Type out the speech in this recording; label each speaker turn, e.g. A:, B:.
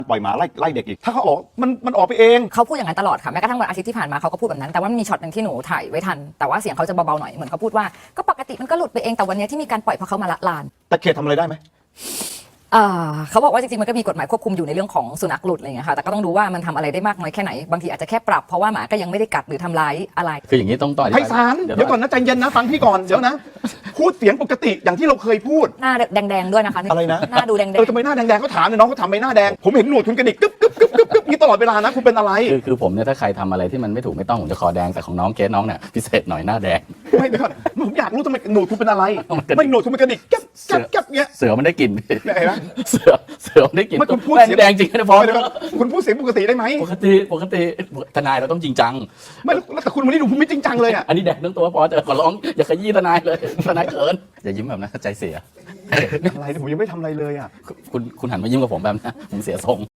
A: ปล่อยหมาไล่เด็กอีกถ้าเขาออกมันออกไปเอง
B: เขาพูดอย่างนั้นตลอดค่ะแม้กระทั่งวันอาทิตย์ที่ผ่านมาเขาก็พูดแบบนั้นแต่ว่ามันมีช็อตหนึ่งที่หนูถ่ายไว้ทันแต่ว่าเสียงเขาจะเบาๆหน่อยเหมือนเขาพูดว่าก็ปกติมันก็หลุดไปเองแต่วันนี้ที่มีการปล่อยเพราะเขามาละลาน
A: แต่เขตทำอะไรได้ไหม
B: เขาบอกว่าจริงๆมันก็มีกฎหมายควบคุมอยู่ในเรื่องของสุนัขหลุดอะไรเงี้ยค่ะแต่ก็ต้องดูว่ามันทำอะไรได้มากน้อยแค่ไหนบางทีอาจจะแค่ปรับเพราะว่าหมาก็ยังไม่ได้กัดหรือทำร้ายอะไร
C: คืออย่างนี้ต้อง
A: ไพศาลเดี๋ยวก่อนนะใจเย็นนะฟังพี่ก่อนเดี๋ยวนะพูดเสียงปกติอย่างที่เราเคยพูด
B: หน้าแดงๆด้วยนะคะ
A: อะไรนะ
B: หน้าดูแดงๆ
A: ทำไมหน้าแดงๆเขาถามเนี่ยน้องเขาทำไมหน้าแดงผมเห็นหนวดคุณกระดิกกึ๊บนี่ตลอดเวลานะคุณเป็นอะไร
C: คือผมเนี่ยถ้าใครทำอะไรที่มันไม่ถูกไม่ต้องผมจะคอแดงแต่ของน้องเกสน้องเนี่ยพิเศษหน่อยหน้าแดง
A: ไม่เดี๋ยวก่อนผมอยากรู้ทำไมหนวดคุณเป็นอะไรไม่หนวดคุณเป็นกระดิกแก๊บเงี้ย
C: เสือมันได้กลิ่น
A: เห็นไหม
C: เสือมันได้กลิ่น
A: ไม่คุณพูดเสียง
C: แดงจริงนะพอ
A: คุณพูดเสียงปกติได้ไหม
C: ปกติทนายเราต้องจริงจัง
A: ไม่แต่คุณวันนี้ดูคุณไม่จริงจังเลยอ่ะ
C: อันนี้แดงทั้งตัวพอจะขอร้องอย่าขยี้ทนายเลยทนายเขินอย่ายิ้มแบบนั้นใจเสีย
A: อะไรผมยังไม่ทำอะไรเลยอ่ะ
C: คุณหันมายิ้มกับผมแบบนั้นผมเสียทรง